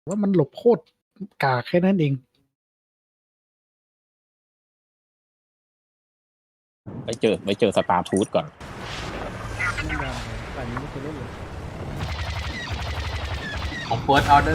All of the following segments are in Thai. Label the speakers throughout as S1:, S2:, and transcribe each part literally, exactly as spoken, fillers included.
S1: ว่ามันหลบโคตรกากแค่นั้นเอง
S2: ไปเจอไปเจอสตาร์ทูธก่อน
S3: ไม่ยอมแต่นี้ไม่เคยเล่นเลย
S4: ของ First Order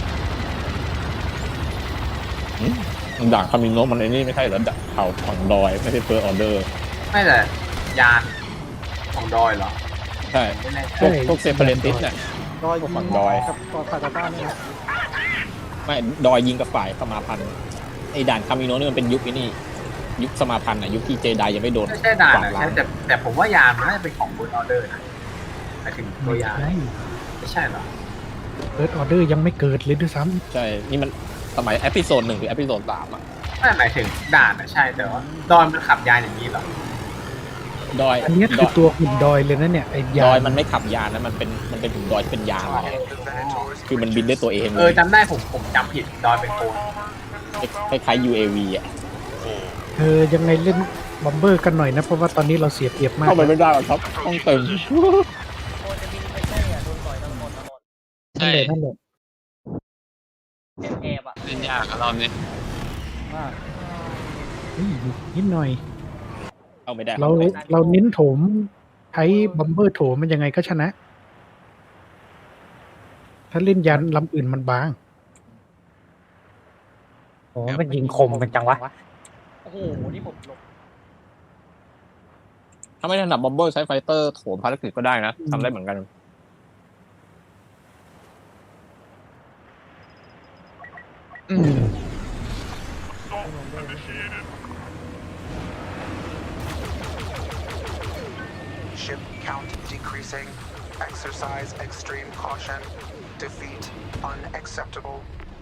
S2: ด่างคามิโนะมันไอ้นี่ไม่ใช่เหรอด่างเผ่าฝั่งดอยไม่ใช่เฟิร์สออเดอร์
S4: ไม่แต่ยานของดอยเหรอ
S2: ใช่
S4: ไม่แน่ใจ
S2: พวกพวกเซเปเรติสเนี่ย
S3: ดอย
S2: พวก
S3: ยิ
S2: ฝั่
S3: ง
S2: งดอย
S3: กับต่อฝ่ายต่อต้านเนี่ยนะ
S2: ไม่ดอยยิงกับฝ่ายสมาพันธ์ไอ้ด่านคามิโนะนี่มันเป็นยุคไอ้นี่ยุคสมาพันธ์อ่ะยุคที่เจไดยังไม่โดน
S4: ไม่ใช่ด่าน
S2: กวาด
S4: นะ
S2: ล้า
S4: ใช่
S2: ง
S4: แต่แต่ผมว่ายานมันน่าจะเป็นของ First Order นะหมายถึงตัวยาน
S1: ใช่
S4: ไม่ใช่เหรอ
S1: เฟิร์สออเดอร์ยังไม่เกิดเลยด้วยซ้
S2: ใช่นี่มันสมัยเอพิโซดหนึ่งหรือเอพิโซดสามอ่ะ
S4: ไม่หมายถึงด่านนะใช่แต่ว่าดอยมันขับยานอย่างนี้เหรอ
S2: ดอย
S1: ำอันนี้
S2: ด
S1: คือ อย ตัวหุ่นดอยเลยนะเนี่ยไอ้ยา
S2: ดอยมันไม่ขับยานนะมันเป็นมันเป็นถึงดอยที่เป็นยานไงคือมันบินด้วยตัวเอง
S4: เออจำได้ผมผมจำผิดดอยเป็นโคน
S2: คล้ายๆ ยู เอ วี อ่ะ
S1: เออยังไงเล่นบอมเบอร์กันหน่อยนะ เพราะว่าตอนนี้เราเสียเปรียบมาก
S2: เข้าไปไม่ได้หรอกครับต้องเต็ม
S5: โอ้จะบินไปใช่อ่ะโดนต่อยทั้งหมดทั้งหมด
S1: นั่นแหละนั่นแหละ
S5: แอบแอบอ่ะ
S6: เล่นยากอะรอบนี้
S3: ว่า
S1: เฮ้ยนิดหน่อย
S2: เข้าไม่ได้
S1: เราเราเน้นโถมใช้บอมเบอร์โถมมันยังไงก็ชนะ ถ้าเล่นยันลำอื่นมันบาง
S7: โอ้มันยิงคมกันจังวะ
S5: โอ้โหนี่ผมหลบ
S2: ถ้าไม่ถนัดบอมเบอร์ใช้ไฟเตอร์โถมภารกิจก็ได้นะทำได้เหมือนกัน
S1: อืม
S8: Ship count decreasing. Exercise extreme caution. Defeat unacceptable.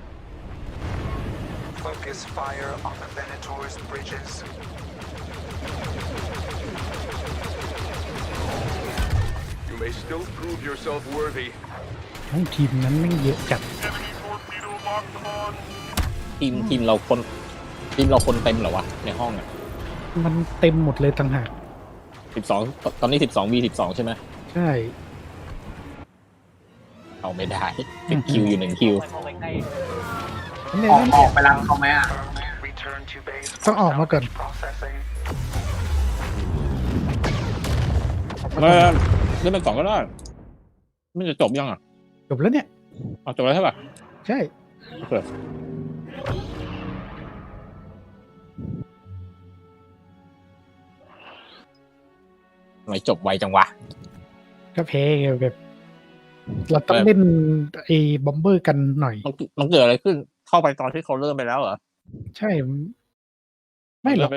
S8: Focus fire on the Venator's bridges.
S9: You may still prove yourself worthy.
S1: ทั้งทีมนั้นไม่งเยอะจัด
S2: ทีมทีมเราคนทีมเราคนเต็มเหรอวะในห้องอ่ะ
S1: มันเต็มหมดเลยต่างหาก
S2: สิบสองตอนนี้สิบสองวีสิบสองใช่ไหม
S1: ใช่
S2: เอาไม่ได้เป็นคิวอยู่หนึ่งคิว
S5: เข้าไปใกล้
S1: นั่นแหละ
S4: ออก
S1: นั่น
S4: อ
S1: แห
S4: อก
S1: ละ
S4: ไปรับเขาไหมอ่ะ
S8: Return to base.
S1: ต้องออกมาก่อน
S8: Processing.
S2: เออเล่นไปก่อนก็ได้มันจะจบยังอ่ะ
S1: จบแล้วเนี่ย
S2: เอาจบแล้วใช่ป่ะ
S1: ใช่
S2: โอเคทำไมจบไวจังวะ
S1: ก็แพ้ไงแบบ เราต้องเล่นไอ้บอมเบอร์กันหน่อย
S2: มันมันเกิดอะไรขึ้นเข้าไปตอนที่เขาเริ่มไปแล้วเหรอ
S1: ใช่ ไม่หรอก